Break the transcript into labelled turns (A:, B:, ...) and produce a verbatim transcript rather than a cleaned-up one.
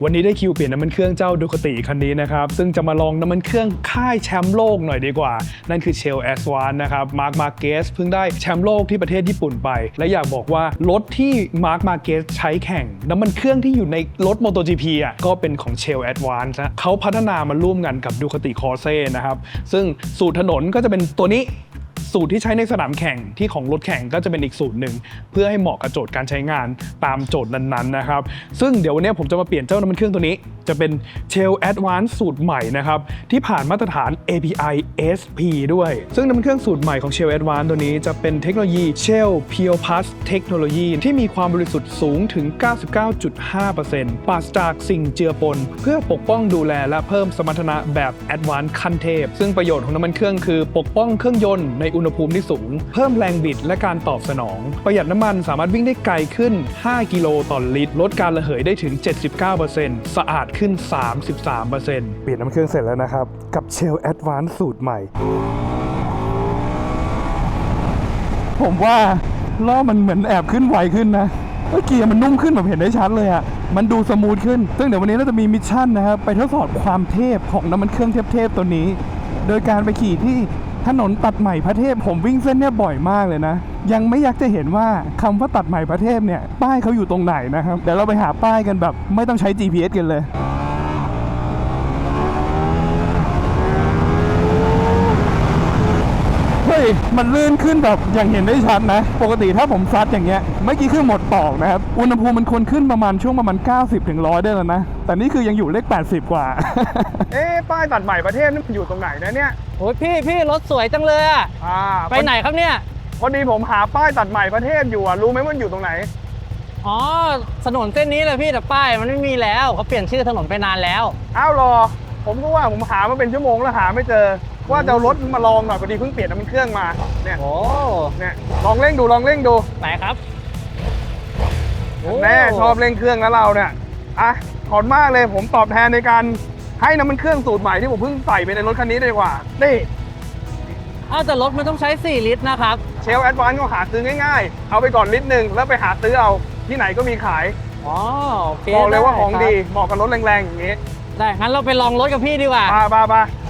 A: วันนี้ได้คิวเปลี่ยนน้ำมันเครื่องเจ้าดูคติคันนี้นะครับซึ่งจะมาลองน้ำมันเครื่องค่ายแชมป์โลกหน่อยดีกว่านั่นคือ Shell Advance นะครับ Marc Marquez เพิ่งได้แชมป์โลกที่ประเทศญี่ปุ่นไปและอยากบอกว่ารถที่ Marc Marquez ใช้แข่งน้ำมันเครื่องที่อยู่ในรถ MotoGP อ่ะก็เป็นของ Shell Advance นะเขาพัฒนามาร่วมกันกับ Ducati Corse นะครับซึ่งสูตรถนนก็จะเป็นตัวนี้สูตรที่ใช้ในสนามแข่งที่ของรถแข่งก็จะเป็นอีกสูตรหนึ่งเพื่อให้เหมาะกับโจทย์การใช้งานตามโจทย์นั้นๆนะครับซึ่งเดี๋ยววันนี้ผมจะมาเปลี่ยนเจ้าน้ำมันเครื่องตัวนี้จะเป็น Shell Advance สูตรใหม่นะครับที่ผ่านมาตรฐาน เอ พี ไอ เอส พี ด้วยซึ่งน้ำมันเครื่องสูตรใหม่ของ Shell Advance ตัวนี้จะเป็นเทคโนโลยี Shell Pure Plus Technology ที่มีความบริสุทธิ์สูงถึง เก้าสิบเก้าจุดห้าเปอร์เซ็นต์ ปราศจากสิ่งเจือปนเพื่อปกป้องดูแลและเพิ่มสมรรถนะแบบ Advance ขั้นเทพซึ่งประโยชน์ของน้ำมันเครื่องคือปกป้องเครื่องยนต์ในอุณหภูมิที่สูงเพิ่มแรงบิดและการตอบสนองประหยัดน้ำมันสามารถวิ่งได้ไกลขึ้นห้ากิโลต่อลิตรลดการระเหยได้ถึง เจ็ดสิบเก้าเปอร์เซ็นต์ สะอาดขึ้น สามสิบสามเปอร์เซ็นต์ เปลี่ยนน้ำเครื่องเสร็จแล้วนะครับกับ Shell Advance สูตรใหม่ผมว่าล้อมันเหมือนแอบขึ้นไวขึ้นนะเกียร์มันนุ่มขึ้นแบบเห็นได้ชัดเลยอ่ะมันดูสมูทขึ้นซึ่งเดี๋ยววันนี้เราจะมีมิชชั่นนะครับไปทดสอบความเทพของน้ำมันเครื่องเทพๆตัวนี้โดยการไปขี่ที่ถนนตัดใหม่พระเทพผมวิ่งเส้นเนี่ยบ่อยมากเลยนะยังไม่อยากจะเห็นว่าคำว่าตัดใหม่พระเทพเนี่ยป้ายเขาอยู่ตรงไหนนะครับเดี๋ยวเราไปหาป้ายกันแบบไม่ต้องใช้ จี พี เอส กันเลยเฮ้ยมันลื่นขึ้นแบบอย่างเห็นได้ชัดนะปกติถ้าผมซัดอย่างเงี้ยเมื่อกี้คือหมดปอกนะครับอุณหภูมิมันควรขึ้นประมาณช่วงประมาณเก้าสิบถึงหนึ่งร้อยได้แล้วนะแต่นี่คือยังอยู่เลขแปดสิบกว่า เอ๊ะป้ายตัดใหม่ประเทศนี่อยู่ตรงไหนนะเนี่ย
B: โอ้ยพี่พี่รถสวยจังเลยอ่ะอ่าไปไหนครับเนี่ย
A: พอดีผมหาป้ายตัดใหม่ประเทศอยู่อ่ะรู้ไหมมันอยู่ตรงไหน
B: อ๋อถนนเส้นนี้เลยพี่แต่ป้ายมันไม่มีแล้วเขาเปลี่ยนชื่อถนนไปนานแล้ว
A: อ้าวรอผมก็ว่าผมหามาเป็นชั่วโมงแล้วหาไม่เจอว่าจะเอารถมาลองหน่อยพอดีเพิ่งเปลี่ยนน้ำมันเครื่องมาเนี่ย
B: โอ้
A: เนี่ยลองเร่งดูลองเร่งดู
B: ไหนครับ
A: แน่ชอบเร่งเครื่องแล้วเราเนี่ยอ่ะขอบมากเลยผมตอบแทนในการให้น้ำมันเครื่องสูตรใหม่ที่ผมเพิ่งใส่ไปในรถคันนี้ดีกว่านี่
B: อ้าวแต่รถมันต้องใช้สี่ลิตรนะครับ
A: เชลแอดวานซ์ก็หาซื้อง่ายๆเอาไปก่อนลิตรหนึ่งแล้วไปหาซื้อเอาที่ไหนก็มีขาย
B: อ๋อโอเค
A: บอกเลยว่าของดีเหมาะกับรถแรงๆอย่างนี้
B: ได้งั้นเราไปลองรถกับพี่ดีกว่า
A: มามามา